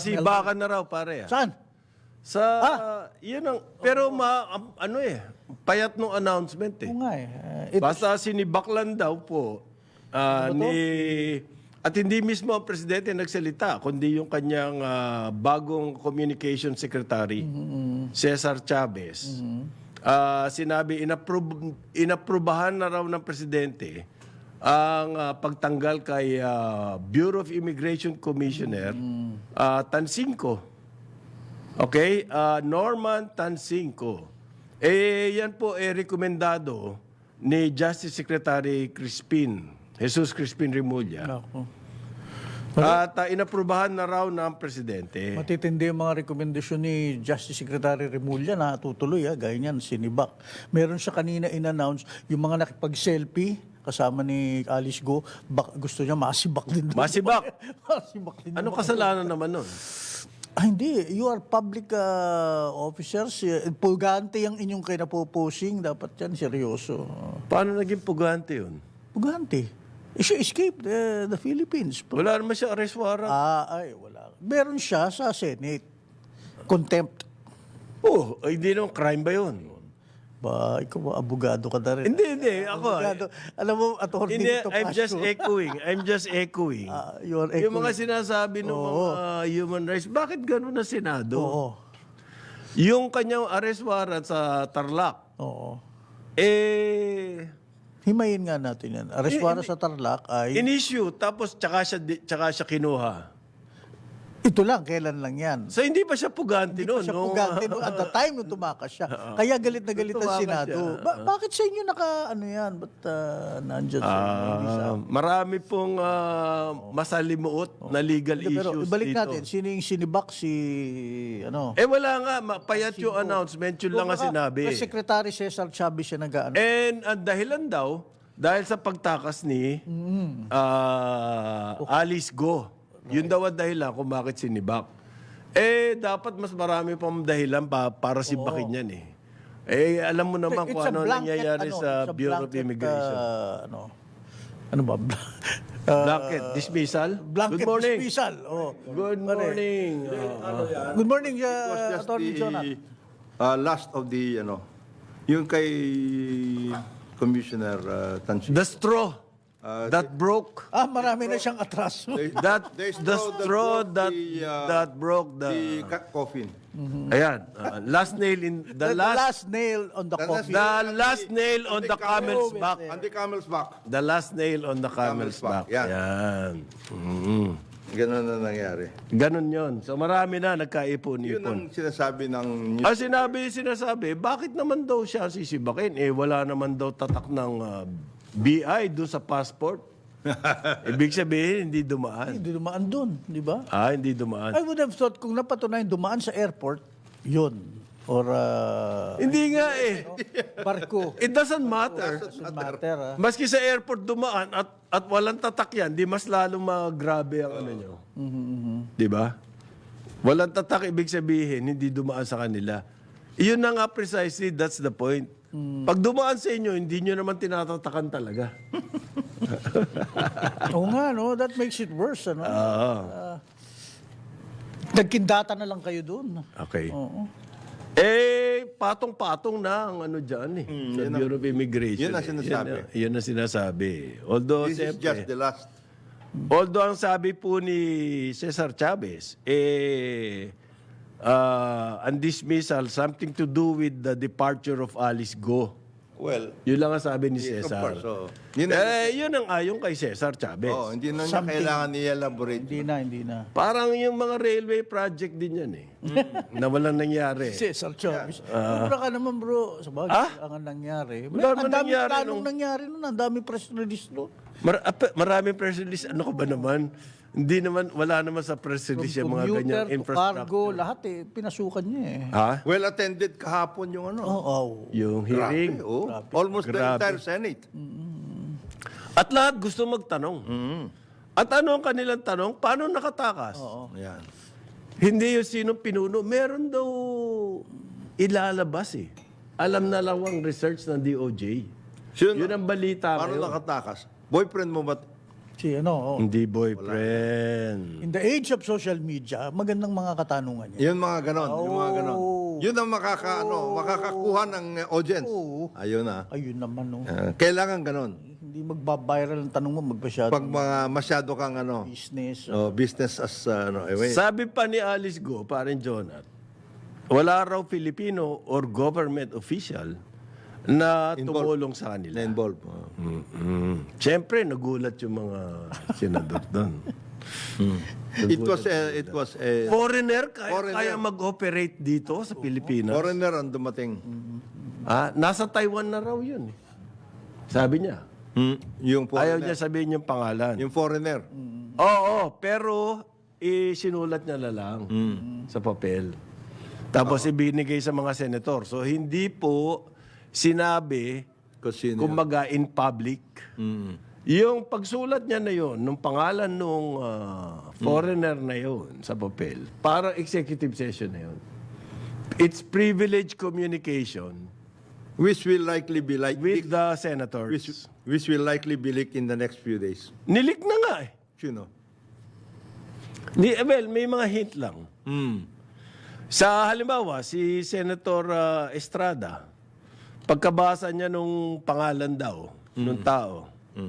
Masibakan na raw, pare. Saan? Sa, yun ang, pero payat nung announcement eh. Oo nga eh. Basta sinibak lang daw po at hindi mismo ang presidente nagsalita, kundi yung kanyang bagong communication secretary, Cesar Chavez. Sinabi, inaprubahan na raw ng presidente ang pagtanggal kay Bureau of Immigration Commissioner Tansinco. Okay? Norman Tansinco. Yan po rekomendado ni Justice Secretary Jesus Crispin Remulla. Naku. At inaprubahan na raw ng presidente. Matitindi yung mga rekomendasyon ni Justice Secretary Remulla na tutuloy, gaya niyan, sinibak. Meron siya kanina in-announce, yung mga nakipag-selfie, kasama ni Alice Go, gusto niya masibak din. Masibak? Masibak din. Anong kasalanan naman nun? Hindi. You are public officers. Pugante yung inyong kinapoposing. Dapat yan, seryoso. Paano naging pugante yun? Pugante. She escaped the Philippines. Wala naman siya arrest warrant. Wala. Meron siya sa Senate. Contempt. Hindi naman crime ba yun? Ikaw abogado ka na rin. Hindi. Ako. Abogado. Alam mo, attorney dito, I'm just echoing. You are echoing. Yung mga sinasabi ng mga human rights, bakit gano'n na Senado? Oo. Yung kanyang arrest warrant sa Tarlac, Oo. himayin nga natin yan. Arrest warrant sa Tarlac ay... in-issue, tapos tsaka siya kinuha. Ito lang, kailan lang yan. So hindi pa siya pugante noon. Siya pugante noon. At the time nung tumakas siya. Kaya galit na galit ang Senado. Bakit sa inyo ano yan? Ba't nandyan sa inyo? Marami pong masalimuot na legal Pero issues ibalik dito. natin, sino yung sinibak Wala nga, payat yung announcement, yun lang ang sinabi. Secretary Cesar Chavez siya nag-ano. And ang dahilan daw, dahil sa pagtakas ni Alice Go. Yun daw ang dahilan kung bakit sinibak. Dapat mas marami pang dahilan para sibakin yan eh. Alam mo naman kung ano nangyayari sa Bureau of Immigration. Ano ba? Blanket dismissal? Blanket Good morning. dismissal. Good morning. Good morning, Just Attorney Jonat. last of the, yung kay Commissioner Tansi. The straw that broke. Marami na siyang atraso. The straw that broke the coffin. Ayan. Last nail in the last nail on the coffin. The last nail on the camel's back. On the camel's back. The last nail on the camel's back. Yan. Yan. Ganun na nangyari. Ganun yon. So marami na Yun nagkaipon-ipon. ang sinasabi ng Sinasabi, bakit naman daw siya sisibakin? Wala naman daw tatak ng BI doon sa passport. Ibig sabihin, hindi dumaan. Hindi dumaan doon, di ba? Hindi dumaan. I would have thought kung napatunayan dumaan sa airport, yun. Or Hindi nga eh. barko. It doesn't matter. Doesn't matter. Maski sa airport dumaan at walang tatak yan, di mas lalong magrabe ang ano nyo. Di ba? Walang tatak, ibig sabihin, hindi dumaan sa kanila. Iyon na nga precisely, that's the point. Pag dumaan sa inyo, hindi nyo naman tinatatakan talaga. Oo nga, no? That makes it worse, ano? Nagkindata na lang kayo doon. Okay. Oo. Patong-patong na ang ano dyan sa Bureau of Immigration. Yun ang sinasabi. Yun ang sinasabi. Although, This is just the last. although ang sabi po ni Cesar Chavez, ang dismissal, something to do with the departure of Alice Go. Well, Yun lang ang sabi ni yes, of Cesar. course. So, Yun ang ayon kay Cesar Chavez. hindi na niya kailangan i-elaborate. Hindi na. Parang yung mga railway project din yan eh. Na walang nangyari. Cesar Chavez. Sobra ka naman, bro. Sa bagay, ang nangyari. Wala naman Ang daming nangyari planong nangyari nun. Ang daming press release nun. Maraming press release. Ano ka ba naman? Hindi naman, wala naman sa press release yung mga ganyang Commuter to infrastructure. cargo, lahat pinasukan niya eh. Ha? Well attended kahapon yung ano. Yung hearing. Grabe, Almost the Grabe. entire Senate. At lahat gusto magtanong. At ano ang kanilang tanong? Paano nakatakas? Yan. Hindi yung sinong pinuno. Meron daw ilalabas eh. Alam na lang ang research ng DOJ. Yun ang balita Paano ngayon. nakatakas? Boyfriend mo ba Si ano, Hindi boyfriend. in the age of social media, magandang mga katanungan yan. Yung mga ganon, yung mga ganon. Yun ang makakakuha ng audience. Oo. Ayun na. Ayun naman, no. Kailangan ganon. Hindi magbabiral ang tanong mo, magpasyado Pag mga masyado kang business. business as Sabi pa ni Alice Go, parin Jonat, wala raw Filipino or government official na tumulong sa kanila. na-involve. Siyempre, nagulat yung mga senador doon. It was a Foreigner, Foreigner. kaya mag-operate dito sa Pilipinas. foreigner ang dumating. Nasa Taiwan na raw yun. Sabi niya. Yung Ayaw foreigner. niya sabihin yung pangalan. Yung foreigner. Oo, pero sinulat niya na lang sa papel. Tapos ibinigay sa mga senator. So hindi po sinabi, Kasi kumbaga in public. Yung pagsulat niya na yon, nung pangalan nung foreigner na yon sa papel, parang executive session na yon. It's privileged communication which will likely be like with the senators. which will likely be leaked in the next few days. Nilik na nga eh. You know. Well, may mga hint lang. Sa halimbawa, si Senator Estrada, pagkabasa niya nung pangalan daw, nung tao,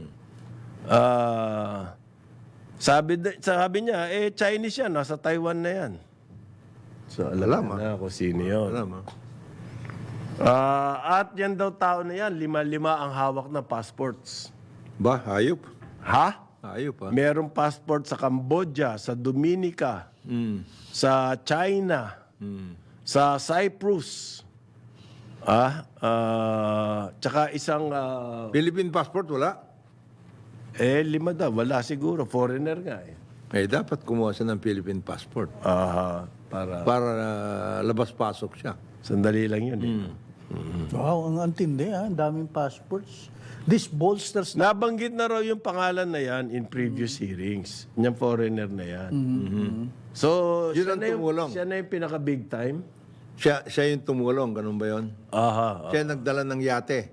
sabi niya, Chinese yan, nasa Taiwan na yan. So, alam na kung sino yun. Alam, At yan daw tao na yan, 5-5 ang hawak na passports. Ba, hayop. Ha? Hayop, ha? Merong passport sa Cambodia, sa Dominica, sa China, sa Cyprus. Tsaka isang... Philippine passport, wala? 5 daw. Wala siguro. Foreigner nga eh. Dapat kumuha siya ng Philippine passport. Para labas-pasok siya. Sandali lang yun eh. Wow, ang antindi, ha? Ang daming passports. This bolsters Nabanggit na raw yung pangalan na yan in previous hearings. Yung foreigner na yan. So, Yun ang tumulong. siya na yung pinaka-big time? Siya yung tumulong, ganun ba yun? Siya nagdala ng yate.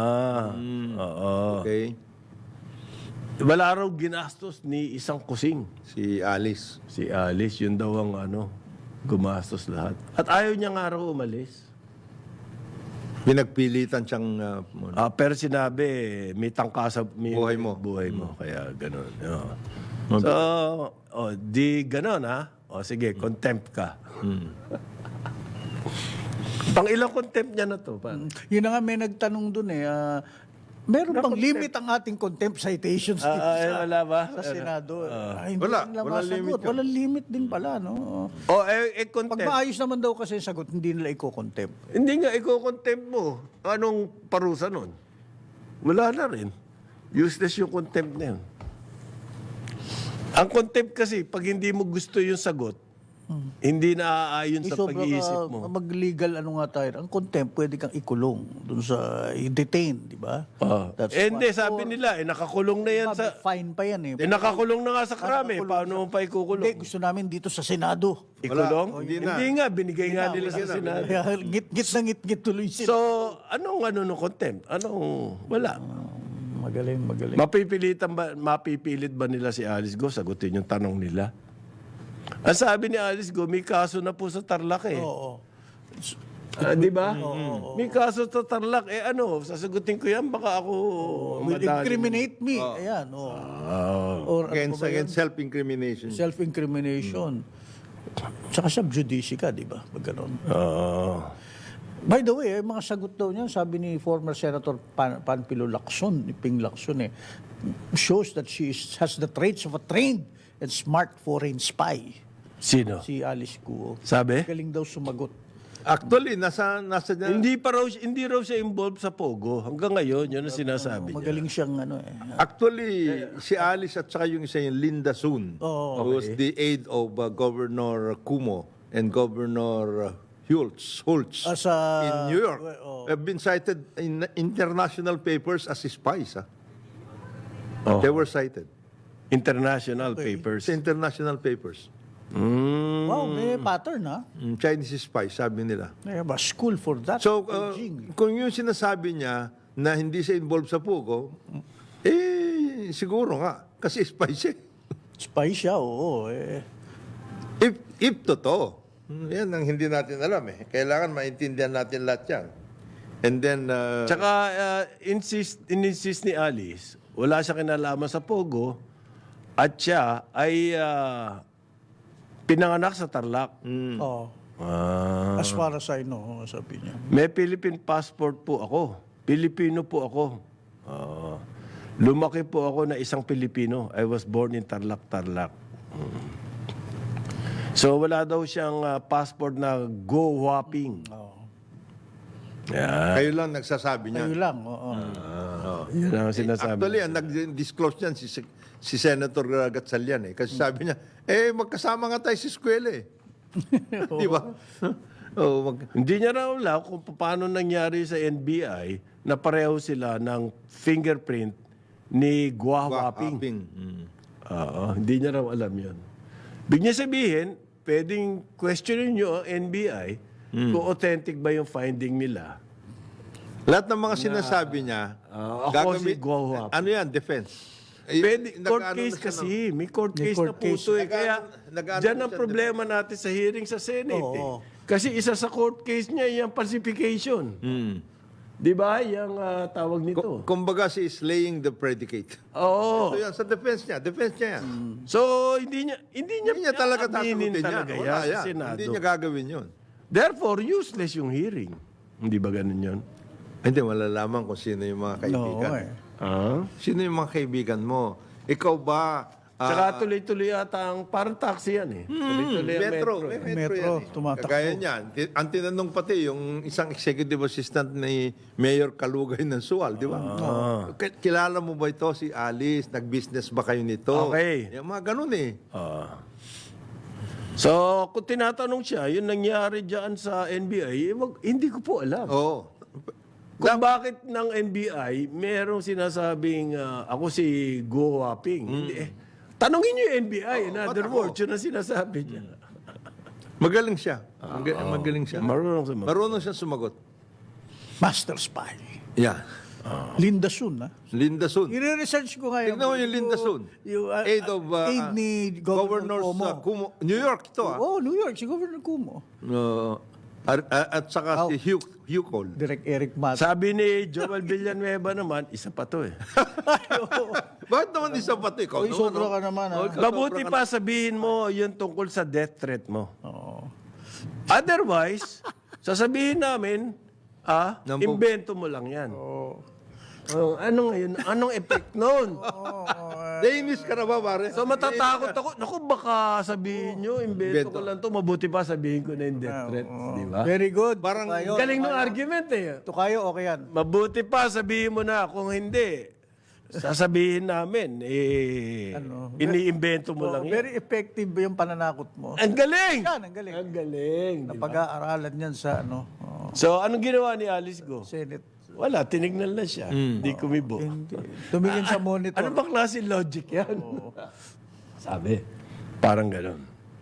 Oo. Okay? Wala raw ginastos ni isang kusing. Si Alice. Si Alice, yun daw ang gumastos lahat. At ayaw niya nga raw umalis. Pinagpilitan siyang... Pero sinabi, may tangka sa Buhay mo. Buhay mo. Kaya ganun. So, di ganun ha. Sige, contempt ka. Pang ilang contempt niya na to? Paano? Yun na nga, may nagtanong dun eh. Meron bang limit ang ating contempt citations dito wala ba? sa Senado? Hindi Wala. nila Walang masagot. limit yun. Walang limit din pala, no? Pag Contempt. maayos naman daw kasi sagot, hindi nila i-contempt. Hindi nga, iko-contempt mo. Anong parusa nun? Wala na rin. Useless yung contempt na yun. Ang contempt kasi, pag hindi mo gusto yung sagot, hindi na aayon sa pag-iisip mo. Mag-legal ano nga tayo. Ang contempt, pwede kang ikulong dun sa i-detain, di ba? That's Hindi, sabi nila, nakakulong na yan sa... fine pa yan eh. nakakulong na nga sa krami. Paano mo pa Hindi, ikukulong? gusto namin dito sa Senado. Ikulong? Hindi na. Hindi nga, binigay nga nila sa Senado. Kaya ngit-ngit na ngit-ngit tuloy sila. So, anong contempt? Wala. Magaling. Mapipilit ba nila si Alice Go? Sagutin yung tanong nila. Ang sabi ni Alice Go, may kaso na po sa Tarlac eh. Oo. Di ba? May kaso sa Tarlac. Sasagutin ko yan, baka ako... Will incriminate me. Ayan. Or ano ba yun? Against self-incrimination. Self-incrimination. Tsaka sub-judice ka, di ba? Pag ganun. By the way, mga sagot daw niya, sabi ni former Senator Panfilo Lacson, ni Ping Lacson, shows that she has the traits of a trained and smart foreign spy. Sino? Si Alice Guo. Sabi? Galing daw sumagot. Actually, nasa Hindi raw siya involved sa Pogo. Hanggang ngayon, yun ang sinasabi niya. Magaling siyang Actually, si Alice at saka yung isa yung Linda Sun, who was the aide of Governor Cuomo and Governor Schultz in New York, have been cited in international papers as spies. They were cited. International papers. Sa international papers. Wow, may pattern, ha? Chinese spies, sabi nila. May ba school for that. So, Beijing. kung yung sinasabi niya na hindi siya involved sa Pugo, siguro nga. Kasi spy siya. Spy siya, oo. Eh. If totoo. Yan ang hindi natin alam eh. Kailangan maintindihan natin lahat yan. And then, Tsaka insist ni Alice, wala siya kinalaman sa Pogo at siya ay pinanganak sa Tarlac. Oo. Ah. As far as I know, sabi niya. May Philippine passport po ako. Pilipino po ako. Lumaki po ako na isang Pilipino. I was born in Tarlac, Tarlac. So wala daw siyang passport na go whopping. Oo. Yeah. kayo lang nagsasabi niya. Kayo lang, oo. Yun ang sinasabi. Actually, ang nag-disclose niyan si Senator Gatchalian eh. Kasi sabi niya, magkasama nga tayo sa eskwela eh. Di ba? Hindi niya raw alam kung paano nangyari sa NBI na pareho sila ng fingerprint ni Gua Waping. Hindi niya raw alam yun. Bigyan sabihin, pwedeng questionin nyo ang NBI kung authentic ba yung finding nila. Lahat ng mga sinasabi niya, ako si Gua Waping. ano yan, defense. Pwede, court Nag-ano case na siya, kasi. May court case na court po case. ito eh. Kaya Nag-ano dyan na ang siya, problema natin sa hearing sa Senate Oo. eh. Kasi isa sa court case niya yung falsification. Di ba? Yung tawag nito. Kumbaga si is laying the predicate. Oo. So yan, sa defense niya yan. So, hindi niya Hindi niya talaga aaminin tasagutin yan. talaga Wala yan sa yan. Senado. Hindi niya gagawin yun. Therefore, useless yung hearing. Hindi ba ganun yun? Hindi, malalaman kung sino yung mga kaibigan. No, eh. Sino yung mga kaibigan mo? Ikaw ba? Tsaka tuloy-tuloy yata ang parang taxi yan eh. Tuloy-tuloy ang Metro. metro. May Metro, yan eh. tumatakbo. Kagaya niyan. Ang tinanong pati yung isang executive assistant ni Mayor Kalugay ng Sual, di ba? Kilala mo ba ito si Alice? Nag-business ba kayo nito? Okay. Yung mga ganun eh. So, kung tinatanong siya, yung nangyari dyan sa NBI, hindi ko po alam. Oo. Kung bakit ng NBI, merong sinasabing ako si Go Waping. Hindi, tanongin niyo yung NBI. In other words, yun ang sinasabi niya. Magaling siya. Magaling siya. Marunong sumagot. Marunong siya sumagot. Master spy. Yeah. Linda Sun, ha? Linda Sun. I-research ko ngayon. Tignan mo yung Linda Sun. Yung, Aid of aid ni Governor Cuomo. New York ito ah. Oh, New York, si Governor Cuomo. At saka si Hugh Cole. Direct Eric Mat. Sabi ni Joel Villanueva naman, isa pa to eh. Bakit naman isa pati? Ikaw Uy, naman, sobra no? ka naman, ha? Mabuti pa sabihin mo yung tungkol sa death threat mo. Oo. Otherwise, sasabihin namin, Nampo- invento mo lang yan. Oo. Ano ngayon? Anong effect nun? Nainis ka na ba, pare? So matatakot ako. Naku, baka sabihin nyo, invento ko lang to. Mabuti pa sabihin ko na yung death threat. Di ba? Very good. Parang Tukayo. Galing ng argument eh. Tukayo, okay yan. Mabuti pa sabihin mo na. Kung hindi, sasabihin namin, iniimbento mo lang yan. Very effective yung pananakot mo. Ang galing! Yan, ang galing. Ang galing. di ba? Napag-aaralan yan sa So, anong ginawa ni Alice Go? Senate. Wala, tinignan lang siya. Hindi kumibo. Tumingin sa monitor. Ano ba klase logic yan? Sabi, parang gano'n.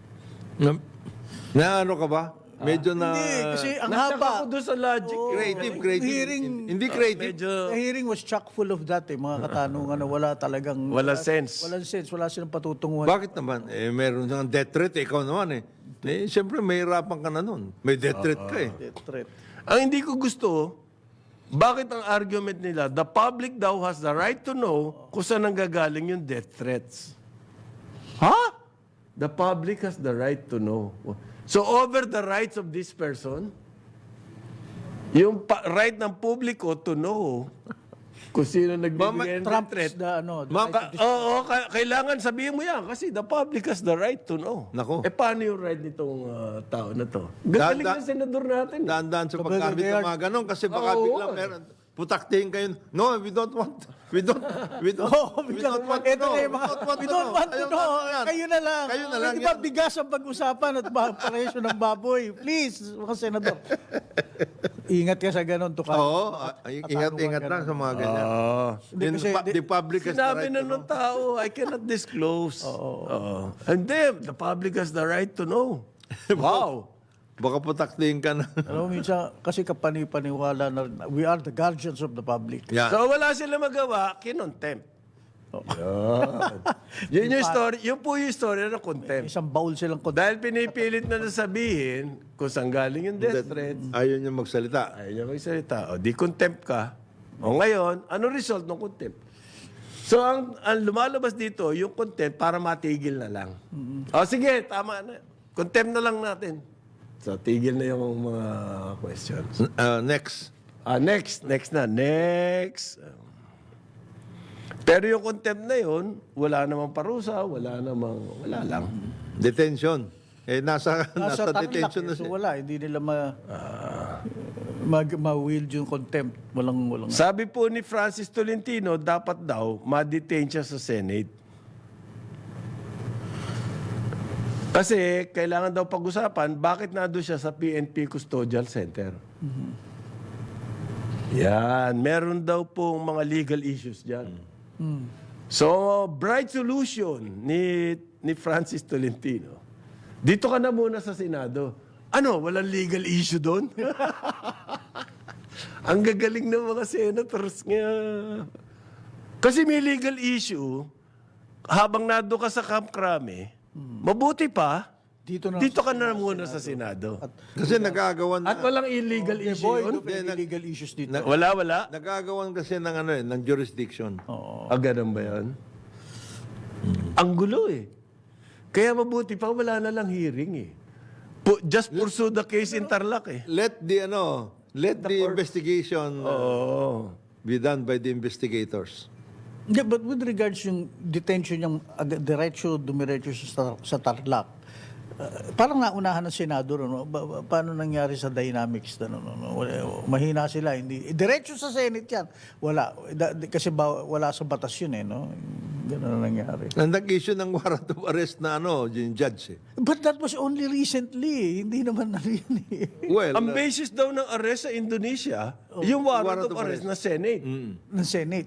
Na ano ka ba? Medyo na... Hindi, kasi ang Nasyak haba. ako doon sa logic. Creative. Hearing- Hindi creative. Medyo The hearing was chock full of that mga katanungan na wala talagang... wala sense. Walang sense, wala silang patutunguhan. Bakit naman? Meron ng death threat. Ikaw naman siyempre, may hirapan ka na nun. May death threat ka eh. Death threat. Ang hindi ko gusto, bakit ang argument nila, the public daw has the right to know kung saan nanggagaling yung death threats. Ha? The public has the right to know. So over the rights of this person, yung right ng publiko to know kung sino nagbibigay ng death threat. Kailangan sabihin mo yan kasi the public has the right to know. Nako. Paano yung right nitong tao na to? Gagaling na senador natin. Daan-daan sa paggamit ng mga ganon kasi baka Oo. biglang meron. Putaktihin kayo. No, we don't want to know. We don't want to Ito know. na yung mga, we don't want to Ayaw know. natin yan. Kayo na lang. Kayo na lang Di ba yan. bigas ang pag-usapan at presyo ng baboy? Please, mga senador. Ingat ka sa ganon, Tukayo. Oo. Ingat lang sa mga ganyan. Hindi, kasi- The public has the Sinabi right na to know. nung tao, I cannot disclose. Oo. And then, the public has the right to know. Wow. Baka putaktihin ka na. Alam mo, minsan, kasi kapani-paniwala na we are the guardians of the public. Yan. So wala sila magawa, kinontempt. Yun yung story. Yun po yung story ng contempt. Isang baul silang Dahil pinipilit na sabihin kung saan galing yung death threat, Ayaw niya magsalita. ayaw niya magsalita. O di contempt ka. O ngayon, ano result ng contempt? So ang lumalabas dito, yung contempt para matigil na lang. O sige, tama na. Contempt na lang natin. So tigil na yung mga questions. Next. Next na. Pero yung contempt na yun, wala namang parusa, wala lang. Detention. Nasa tarlac, detention na so siya. wala, hindi nila ma-wield yung contempt. Walang. Sabi po ni Francis Tolentino, dapat daw ma-detain siya sa Senate. Kasi kailangan daw pag-usapan, bakit nandun siya sa PNP Custodial Center? Yan, meron daw pong mga legal issues dyan. So, bright solution ni Francis Tolentino. Dito ka na muna sa Senado. Ano, walang legal issue doon? Ang gagaling ng mga senators nga. Kasi may legal issue, habang nado ka sa Camp Crame, mabuti pa, dito ka na muna sa Senado. Kasi nagagawan At walang illegal issue Boy, yun? illegal issues dito. Wala. Nagagawan kasi ng jurisdiction. Ganun ba yan? Ang gulo eh. Kaya mabuti pa, wala na lang hearing eh. Just pursue the case in Tarlac eh. Let the investigation be done by the investigators. Yeah, but with regards yung detention yung dumiretso sa Tarlac, parang naunahan ng Senado, no? Paano nangyari sa dynamics? Mahina sila. Hindi. Diretso sa Senate yan. Wala. Kasi wala sa batas yun eh. No? Ganun na nangyari. Nag-issue ng warrant of arrest na yung judge. But that was only recently. Hindi naman na rin eh. Well, Ang basis daw ng arrest sa Indonesia, yung warrant of arrest na Senate. Ng Senate.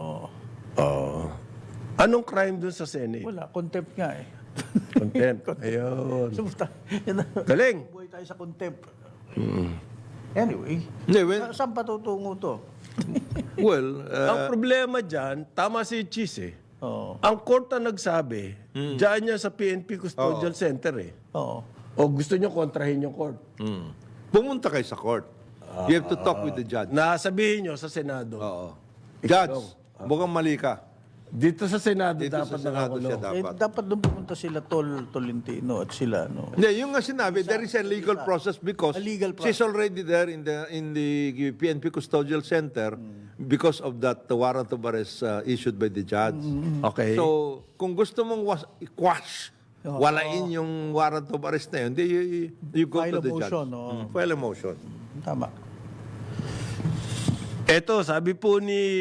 Anong crime dun sa Senate? Wala. Contempt nga eh. Contempt. Ayun. So, Galing. buhay tayo sa contempt. Anyway, Hindi, saan patutungo to? Ang problema dyan, tama si Chis eh. Oo. Ang court ang nagsabi, dyan niya sa PNP Custodial Center eh. Oo. O gusto niyo kontrahin yung court. pumunta kayo sa court. You have to talk with the judge. Nasabihin niyo sa Senado. Oo. Judge, mukhang mali ka. Dito sa Senado Dito dapat sa Senado siya Eh, dapat. dapat doon pumunta sila Tolentino at sila, no? Hindi, yung nga sinabi, there is a legal process because A legal she's already there in the PNP Custodial Center because of that warrant of arrest issued by the judge. Okay. So, kung gusto mong i-quash, walain yung warrant of arrest na yun, you go File to the a motion, judge. no? File a motion. Tama. Eto, sabi po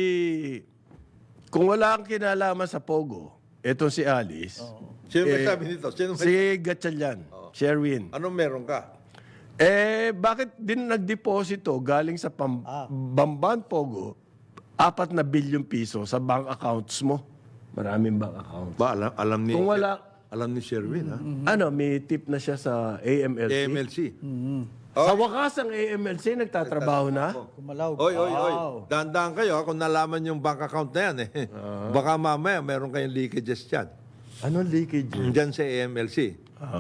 kung wala kang kinalaman sa Pogo, etong si Alice, Sino may sabi nito? si Gatchalian, Sherwin. Anong meron ka? Bakit din nagdeposito galing sa Bamban Pogo 4 na bilyong piso sa bank accounts mo? Maraming bank accounts. Ba, alam ni Kung wala- alam ni Sherwin, ha? May tip na siya sa AMLC. AMLC. Sa wakas ang AMLC nagtatrabaho na? Kumalaw. Oy. Dahan-dahan kayo kung nalaman yung bank account na yan. Baka mamaya meron kayong leakages dyan. Ano leakage? Dyan sa AMLC.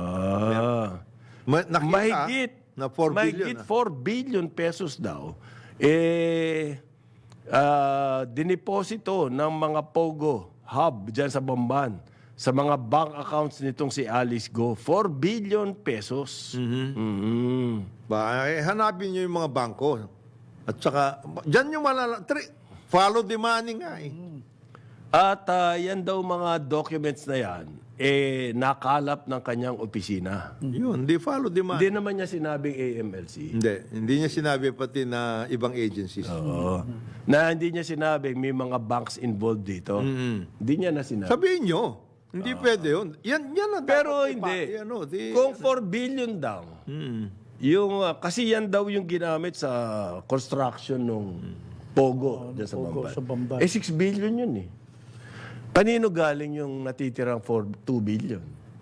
Nakita Mahigit na 4 billion. mahigit 4 billion pesos daw dineposito ng mga Pogo hub dyan sa Bamban sa mga bank accounts nitong si Alice Go. 4 billion pesos. Hanapin nyo yung mga bangko. At saka, dyan yung follow the money nga eh. At yan daw mga documents na yan, nakalap ng kanyang opisina. Yun, di follow the money. Hindi naman niya sinabing AMLC. Hindi niya sinabi pati na ibang agencies. Oo. Na hindi niya sinabing may mga banks involved dito. Hindi niya na sinabi. Sabihin nyo, hindi pwede yun. Yan ang Pero dapat hindi. di- Kung 4 billion daw, yung, kasi yan daw yung ginamit sa construction nung Pogo dyan sa Pogo Bamban. sa Bamban. 6 billion yun eh. Kanino galing yung natitirang 2 billion?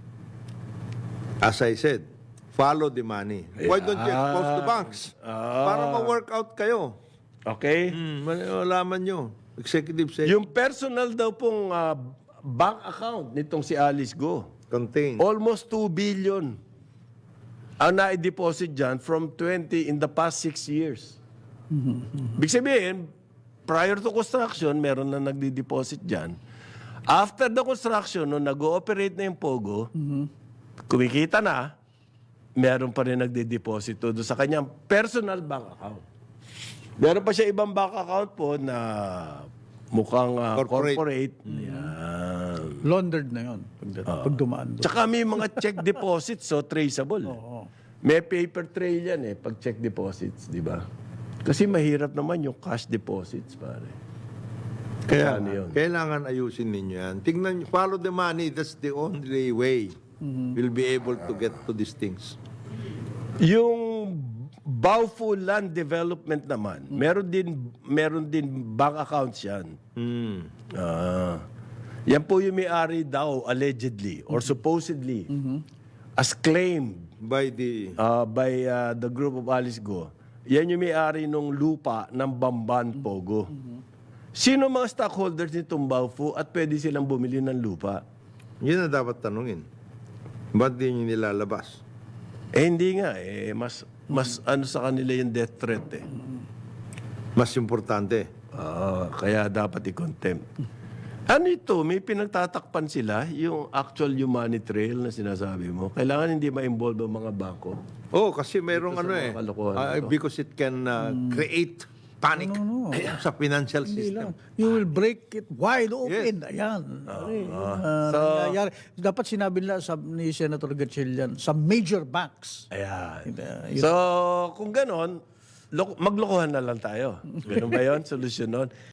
As I said, follow the money. Why don't you expose the banks? Para ma-work out kayo. Okay? Malaman nyo. Executive session Yung personal daw pong bank account nitong si Alice Go, contained. almost 2 billion ang na-deposit dyan from 20 in the past 6 years. Ibig sabihin, prior to construction, meron na nagdi-deposit dyan. After the construction, nung nag-ooperate na yung Pogo, kumikita na, meron pa rin nagdi-deposit doon sa kanyang personal bank account. Meron pa siya ibang bank account po na mukhang corporate. Yan. Laundered na yun pag dumaan doon. Tsaka may mga check deposits, so traceable. May paper trail yan pag check deposits, di ba? Kasi mahirap naman yung cash deposits, pare. Kaya Ano yun? kailangan ayusin ninyo yan. Tingnan nyo, follow the money. That's the only way we'll be able to get to these things. Yung Baofu Land Development naman, meron din bank accounts yan. Yan po yung may-ari daw, allegedly, or supposedly, as claimed By the... by the group of Alice Go. Yan yung may-ari ng lupa ng Bamban Pogo. Sino mga stockholders nitong Baofu at pwede silang bumili ng lupa? Yun na dapat tanungin. Ba't di nyo nilalabas? Hindi nga mas ano sa kanila yung death threat Mas importante. Kaya dapat i-contempt. Ano ito? May pinagtatakpan sila, yung actual humanity trail na sinasabi mo. Kailangan hindi ma-involve ang mga bangko. Oh, kasi merong Ito sa ano mga kalokohan ito. because it can create panic sa financial Hindi system. lang. You will break it wide open. Ayan. Nangyayari. Dapat sinabi nila ni Senator Gatchalian sa major banks. Ayan. So, kung ganon, maglokohan na lang tayo. Ganun ba yun? Solusyon nun?